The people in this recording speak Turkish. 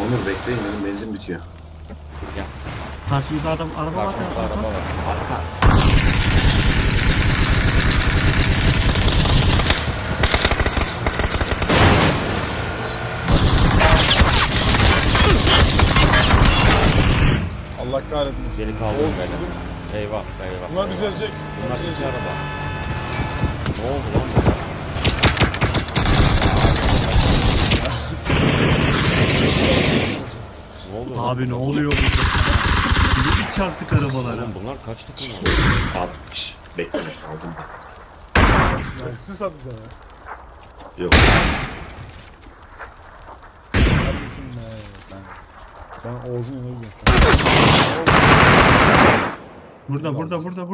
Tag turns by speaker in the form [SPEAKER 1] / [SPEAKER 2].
[SPEAKER 1] Onur bekleyin benim benzin bitiyor.
[SPEAKER 2] Gel.
[SPEAKER 3] Karşımızda adam araba var.
[SPEAKER 2] Karşımızda araba var. Arka.
[SPEAKER 4] Allah kahretmesin.
[SPEAKER 2] Geri kaldım
[SPEAKER 4] Oğlum,
[SPEAKER 2] böyle. Eyvah eyvah.
[SPEAKER 4] Bunlar bizi
[SPEAKER 2] eyvah.
[SPEAKER 4] ezecek.
[SPEAKER 2] Bunlar
[SPEAKER 4] bizi
[SPEAKER 2] iki
[SPEAKER 4] ezecek.
[SPEAKER 2] araba. Ne oldu lan burada? Ne oluyor lan?
[SPEAKER 3] Abi ne oluyor burada? Biz çarptık arabalara.
[SPEAKER 2] Oğlum bunlar kaç takım var?
[SPEAKER 1] 60. Bekle aldım.
[SPEAKER 4] Siz at bize ya.
[SPEAKER 1] Yok.
[SPEAKER 4] Neredesin be sen? Ben Oğuz'un yanına gidiyorum.
[SPEAKER 3] Burada.